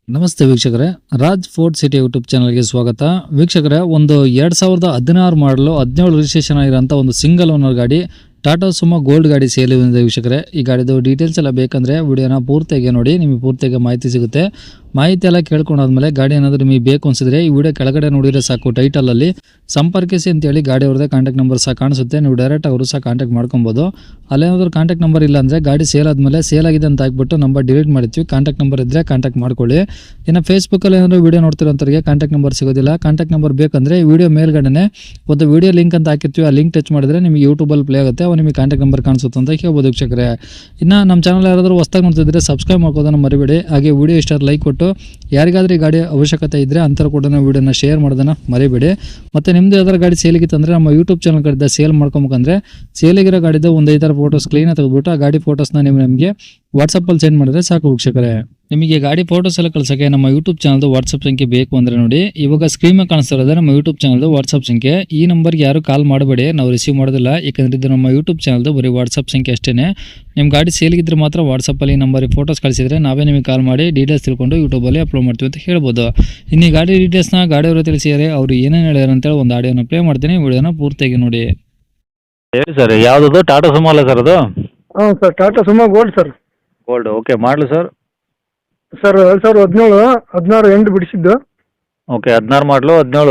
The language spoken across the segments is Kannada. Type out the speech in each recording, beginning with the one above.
ನಮಸ್ತೆ ವೀಕ್ಷಕರೇ, ರಾಜ್ ಫೋರ್ಟ್ ಸಿಟಿ ಯೂಟ್ಯೂಬ್ ಚಾನಲ್ಗೆ ಸ್ವಾಗತ. ವೀಕ್ಷಕರೇ, ಒಂದು 2016 ಮಾಡಲು 17 ರಿಜಿಸ್ಟ್ರೇಷನ್ ಆಗಿರೋಂಥ ಒಂದು ಸಿಂಗಲ್ ಓನರ್ ಗಾಡಿ ಟಾಟಾ ಸುಮೋ ಗೋಲ್ಡ್ ಗಾಡಿ ಸೇಲ್ ಇದೆ ವೀಕ್ಷಕರೇ. ಈ ಗಾಡಿದು ಡೀಟೇಲ್ಸ್ ಎಲ್ಲ ಬೇಕಂದರೆ ವಿಡಿಯೋನ ಪೂರ್ತಿಯಾಗಿ ನೋಡಿ, ನಿಮಗೆ ಪೂರ್ತಿಯಾಗಿ ಮಾಹಿತಿ ಸಿಗುತ್ತೆ. ಮಾಹಿತಿ ಎಲ್ಲ ಕೇಳ್ಕೊಂಡಾದ್ಮೇಲೆ ಗಾಡಿ ಏನಾದರೂ ನಿಮಗೆ ಬೇಕು ಅನಿಸಿದ್ರೆ ಈ ವಿಡಿಯೋ ಕೆಳಗಡೆ ನೋಡಿದರೆ ಸಾಕು, ಟೈಟಲಲ್ಲಿ ಸಂಪರ್ಕಿಸಿ ಅಂತೇಳಿ ಗಾಡಿ ಅವ್ರದ್ದೇ ಕಾಂಟ್ಯಾಕ್ಟ್ ನಂಬರ್ ಸಹ ಕಾಣಿಸುತ್ತೆ. ನೀವು ಡೈರೆಕ್ಟ್ ಅವರು ಸಹ ಕಾಂಟ್ಯಾಕ್ಟ್ ಮಾಡ್ಕೊಬೋದು. ಅಲ್ಲೇನಾದ್ರೂ ಕಾಂಟ್ಯಾಕ್ಟ್ ನಂಬರ್ ಇಲ್ಲ ಅಂದರೆ ಗಾಡಿ ಸೇಲ್ ಆದಮೇಲೆ ಸೇಲ್ ಆಗಿದೆ ಅಂತ ಹಾಕ್ಬಿಟ್ಟು ನಂಬರ್ ಡಿಲೀಟ್ ಮಾಡ್ತೀವಿ. ಕಾಂಟ್ಯಾಕ್ಟ್ ನಂಬರ್ ಇದ್ದರೆ ಕಾಂಟ್ಯಾಕ್ಟ್ ಮಾಡ್ಕೊಳ್ಳಿ. ಇನ್ನು ಫೇಸ್ಬುಕ್ಕಲ್ಲಿ ಏನಾದರೂ ವಿಡಿಯೋ ನೋಡ್ತಿರೋಂಥವ್ರಿಗೆ ಕಾಂಟ್ಯಾಕ್ಟ್ ನಂಬರ್ ಸಿಗೋದಿಲ್ಲ. ಕಾಂಟ್ಯಾಕ್ಟ್ ನಂಬರ್ ಬೇಕಂದರೆ ಈ ವಿಡಿಯೋ ಮೇಲ್ಗಡೆ ಒಂದು ವಿಡಿಯೋ ಲಿಂಕ್ ಅಂತ ಹಾಕಿರ್ತೀವಿ. ಆ ಲಿಂಕ್ ಟಚ್ ಮಾಡಿದ್ರೆ ನಿಮಗೆ ಯೂಟ್ಯೂಬಲ್ಲಿ ಪ್ಲೇ ಆಗುತ್ತೆ, ಅವು ನಿಮಗೆ ಕಾಂಟ್ಯಾಕ್ಟ್ ನಂಬರ್ ಕಾಣಿಸುತ್ತೆ ಅಂತ ಹೇಳ್ಬೋದು ವೀಕ್ಷಕರೇ. ಇನ್ನು ನಮ್ಮ ಚಾನಲ್ ಯಾರಾದರೂ ಹೊಸದಾಗಿ ನೋಡ್ತಿದ್ರೆ ಸಬ್ಸ್ಕ್ರೈಬ್ ಮಾಡ್ಕೋದನ್ನು ಮರಿಬೇಡಿ. ಹಾಗೆ ವಿಡಿಯೋ ಇಷ್ಟ ಲೈಕ್ ಕೊಟ್ಟು ಯಾರಿಗಾದ್ರೂ ಈ ಗಾಡಿ ಅವಶ್ಯಕತೆ ಇದ್ದರೆ ಅಂಥವ್ರು ಕೂಡ ವಿಡಿಯೋನ ಶೇರ್ ಮಾಡೋದನ್ನು ಮರಿಬೇಡಿ. ಮತ್ತು ನಿಮ್ಮದು ಯಾವ್ದಾರು ಗಾಡಿ ಸೇಲಿಗಿತ್ತಂದರೆ ನಮ್ಮ ಯೂಟ್ಯೂಬ್ ಚಾನಲ್ ಕಡೆದ ಸೇಲ್ ಮಾಡ್ಕೊಬೇಕಂದ್ರೆ ಸೇಲಿಗಿರೋ ಗಾಡಿದು ಒಂದು 5 ಫೋಟೋಸ್ ಕ್ಲೀನಾಗಿ ತೆಗೆದುಬಿಟ್ಟು ಆ ಗಾಡಿ ಫೋಟೋಸ್ನ ನಿಮಗೆ ವಾಟ್ಸಪ್ಪಲ್ಲಿ ಸೆಂಡ್ ಮಾಡಿದ್ರೆ ಸಾಕು ವೀಕ್ಷಕರೇ. ನಿಮಗೆ ಗಾಡಿ ಫೋಟೋಸ್ ಎಲ್ಲ ಕಳ್ಸೋಕ್ಕೆ ನಮ್ಮ ಯೂಟ್ಯೂಬ್ ಚಾನಲ್ದು ವಾಟ್ಸಪ್ ಸಂಖ್ಯೆ ಬೇಕು ಅಂದರೆ ನೋಡಿ, ಇವಾಗ ಸ್ಕ್ರೀನ್ ಮೇಲೆ ಕಾಣಿಸ್ತಾ ಇರೋದು ನಮ್ಮ ಯೂಟ್ಯೂಬ್ ಚಾನಲ್ದು ವಾಟ್ಸಪ್ ಸಂಖ್ಯೆ. ಈ ನಂಬರ್ಗೆ ಯಾರು ಕಾಲ್ ಮಾಡಬೇಡಿ, ನಾವು ರಿಸೀವ್ ಮಾಡೋದಿಲ್ಲ. ಯಾಕಂದರೆ ಇದು ನಮ್ಮ ಯೂಟ್ಯೂಬ್ ಚಾನಲ್ದು ಬರೀ ವಾಟ್ಸಪ್ ಸಂಖ್ಯೆ ಅಷ್ಟೇ. ನಿಮ್ಮ ಗಾಡಿ ಸೇಲಿಗಿದ್ರೆ ಮಾತ್ರ ವಾಟ್ಸಪ್ಪಲ್ಲಿ ನಂಬರಿಗೆ ಫೋಟೋಸ್ ಕಳಿಸಿದ್ರೆ ನಾವೇ ನಿಮಗೆ ಕಾಲ್ ಮಾಡಿ ಡೀಟೇಲ್ಸ್ ತಿಳ್ಕೊಂಡು ಯೂಟ್ಯೂಬಲ್ಲಿ ಅಪ್ಲೋಡ್ ಮಾಡ್ತೀವಿ ಅಂತ ಹೇಳ್ಬೋದು. ಇನ್ನು ಈ ಗಾಡಿ ಡೀಟೇಲ್ಸ್ನ ಗಾಡಿಯವರು ತಿಳಿಸಿದರೆ ಅವರು ಏನೇನು ಹೇಳ್ಯಾರ ಅಂತೇಳಿ ಒಂದು ಆಡಿಯೋನ ಪ್ಲೇ ಮಾಡ್ತೀನಿ, ವಿಡಿಯೋನ ಪೂರ್ತಿಯಾಗಿ ನೋಡಿ. ಹೇಳಿ ಸರ್, ಯಾವುದದು ಟಾಟಾ ಸುಮೋ ಅಲ್ಲ ಸರ್ ಅದು? ಹಾಂ sir, Tata Sumo Gold sir. Gold, okay. ಮಾಡಲು ಸರ್? ಸರ್ 2017 16 ಎಂಟು ಬಿಡಿಸಿದ್ದು. ಓಕೆ, 16 ಮಾಡಲು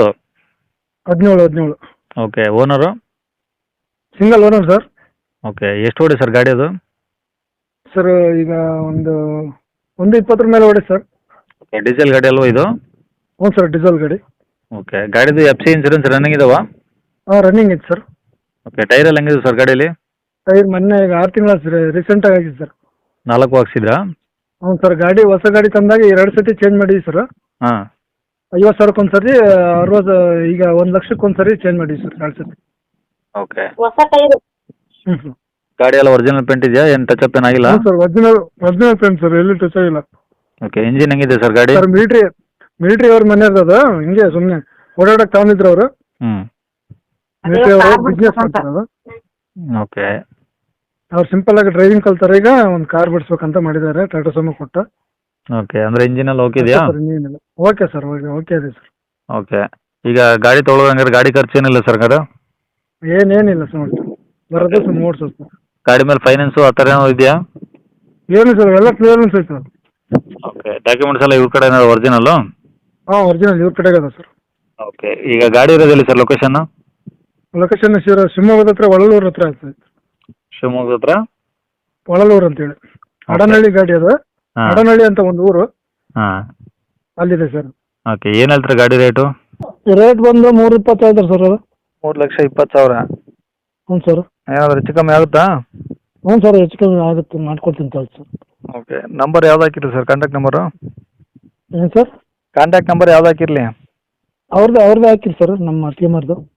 17. Okay. Owner? Single owner sir. Okay. ಎಷ್ಟು ಓಡಿ ಸರ್ ಗಾಡಿ ಅದು? ಸರ್ ಈಗ ಒಂದು 20 ಮೇಲೆ ಹೊಡೆ ಸರ್. ಓಕೆ. ಡೀಸೆಲ್ ಗಾಡಿ ಅಲ್ವಾ ಇದು? ಹ್ಞೂ ಸರ್, ಡೀಸೆಲ್ ಗಾಡಿ. ಓಕೆ. ಗಾಡಿದು FC ಇನ್ಸೂರೆನ್ಸ್ ರನ್ನಿಂಗ್ ಇದಾವಾ? ಹಾಂ, ರನ್ನಿಂಗ್ ಇದೆ ಸರ್. ಓಕೆ. ಟೈರ್ ಎಲ್ಲ ಹೆಂಗಿದೆ ಸರ್ ಗಾಡೀಲಿ? ಟೈರ್ ಮೊನ್ನೆ ಈಗ 6 ತಿಂಗಳ ರೀಸೆಂಟಾಗಿ ಆಗಿದೆ ಸರ್. 4 ಹಾಕ್ಸಿದ್ರಾ? ಹ್ಞೂ ಸರ್, ಗಾಡಿ ಹೊಸ ಗಾಡಿ ತಂದಾಗ 2 ಸತಿ ಚೇಂಜ್ ಮಾಡಿದ್ವಿ ಸರ್. ಹಾಂ. 50,000ಕ್ಕೆ ಒಂದು ಸರಿ, 60 ಈಗ 1,00,000ಕ್ಕೆ ಒಂದು ಸರಿ ಚೇಂಜ್ ಮಾಡಿದ್ವಿ ಸರ್ 2 ಸತಿ. ಓಕೆ. ಹೊಸ ಟೈರು. ಹ್ಞೂ. ಗಾಡಿ ಎಲ್ಲ ಒರಿಜಿನಲ್ ಪೇಂಟ್ ಇದೆಯಾ? ಏನು ಟಚ್ ಅಪ್ ಏನಾಗಿಲ್ಲ? ಹ್ಞೂ ಸರ್, ಒರಿಜಿನಲ್ ಪೇಂಟ್ ಸರ್, ಎಲ್ಲಿ ಟಚ್ ಆಗಿಲ್ಲ. ಓಕೆ. ಇಂಜಿನ್ ಹೆಂಗಿದೆ ಸರ್ ಗಾಡಿ? ಸರ್ ಮಿಲಿಟ್ರಿ ಅವ್ರ ಮನೆ ಇರೋದು, ಹಿಂಗೆ ಸುಮ್ಮನೆ ಓಡಾಡಕ್ಕೆ ತಗೊಂಡಿದ್ರು ಅವರು. ಹ್ಞೂ. ಮಿಲಿಟ್ರಿ ಅವರು ಬಿಸ್ನೆಸ್ ಮಾಡ್ತಾರೆ ಅದು. ಓಕೆ. ಅವ್ರು ಸಿಂಪಲ್ ಆಗಿ ಡ್ರೈವಿಂಗ್ ಕಲ್ತಾರೆ. ಈಗ ಒಂದು ಕಾರ್ ಬಿಡಿಸ್ಬೇಕಂತ ಮಾಡಿದ್ದಾರೆ, ಟಾಟಾ ಸುಮೋ ಕೊಟ್ಟು. ಓಕೆ. ಅಂದರೆ ಇಂಜಿನ್ ಎಲ್ಲ ಓಕೆ ಇದೆಯಾ? ಇನ್ನೇನಿಲ್ಲ. ಓಕೆ ಸರ್, ಓಕೆ ಇದೆ ಸರ್. ಓಕೆ. ಈಗ ಗಾಡಿ ತೊಗೊಳೋದಂಗಾರೆ ಗಾಡಿ ಖರ್ಚು ಏನಿಲ್ಲ ಸರ್ ಗಾಡಿ? ಏನಿಲ್ಲ ಸರ್, ನೋಡಿ ಬರೋದೇ ಸರ್ ನೋಡ್ಸೋದು ಸರ್. ಗಾಡಿ ಮೇಲೆ ಫೈನಾನ್ಸು ಆ ಥರ ಏನೋ ಇದೆಯಾ? ಏನು ಸರ್, ಎಲ್ಲ ಕ್ಲಿಯರೆನ್ಸ್ ಐತೆ ಸರ್. ಓಕೆ. ಡಾಕ್ಯುಮೆಂಟ್ಸ್ ಎಲ್ಲ ಇವ್ರ ಕಡೆ ಒರಿಜಿನಲ್ಲು? ಹಾಂ, ಒರಿಜಿನಲ್ ಇವ್ರ ಕಡೆಗೆ ಅದ ಸರ್. ಓಕೆ. ಈಗ ಗಾಡಿ ಇರೋದಿಲ್ಲ ಸರ್ ಲೊಕೇಶನ್ನು? ಲೊಕೇಶನ್ ಶಿವಮೊಗ್ಗದ ಹತ್ರ ಒಳಲೂರು ಹತ್ರ ಆಗ್ತದೆ. ಶಿವಮೊಗ್ಗದ ಹತ್ರ ಒಳಲೂರು ಅಂತೇಳಿ ಅಡನಹಳ್ಳಿ ಗಾಡಿ ಅದು. ಹಾಂ. ಅಡನಹಳ್ಳಿ ಅಂತ ಒಂದು ಊರು, ಹಾಂ. ಅಲ್ಲಿದೆ ಸರ್. ಓಕೆ. ಏನು ಹೇಳ್ತಾರೆ ಗಾಡಿ ರೇಟು? ರೇಟ್ ಬಂದು 3,20 ಹೇಳ್ತಾರೆ ಸರ್ ಅದು. 3,20,000. ಹ್ಞೂ ಸರ್. ಏನಾದರೂ ಹೆಚ್ಚು ಕಮ್ಮಿ ಆಗುತ್ತಾ? ಹ್ಞೂ ಸರ್, ಹೆಚ್ಚು ಕಮ್ಮಿ ಆಗುತ್ತೆ, ಮಾಡ್ಕೊಡ್ತೀನಿ ತಗೊಳ್ಳಿ ಸರ್. ಓಕೆ. ನಂಬರ್ ಯಾವ್ದು ಹಾಕಿರಿ ಸರ್, ಕಾಂಟ್ಯಾಕ್ಟ್ ನಂಬರು? ಏನು ಸರ್? ಕಾಂಟ್ಯಾಕ್ಟ್ ನಂಬರ್ ಯಾವ್ದು ಹಾಕಿರಲಿ? ಅವ್ರದ್ದು ಹಾಕಿರಿ ಸರ್, ನಮ್ಮ ಟೀಮರ್ದು.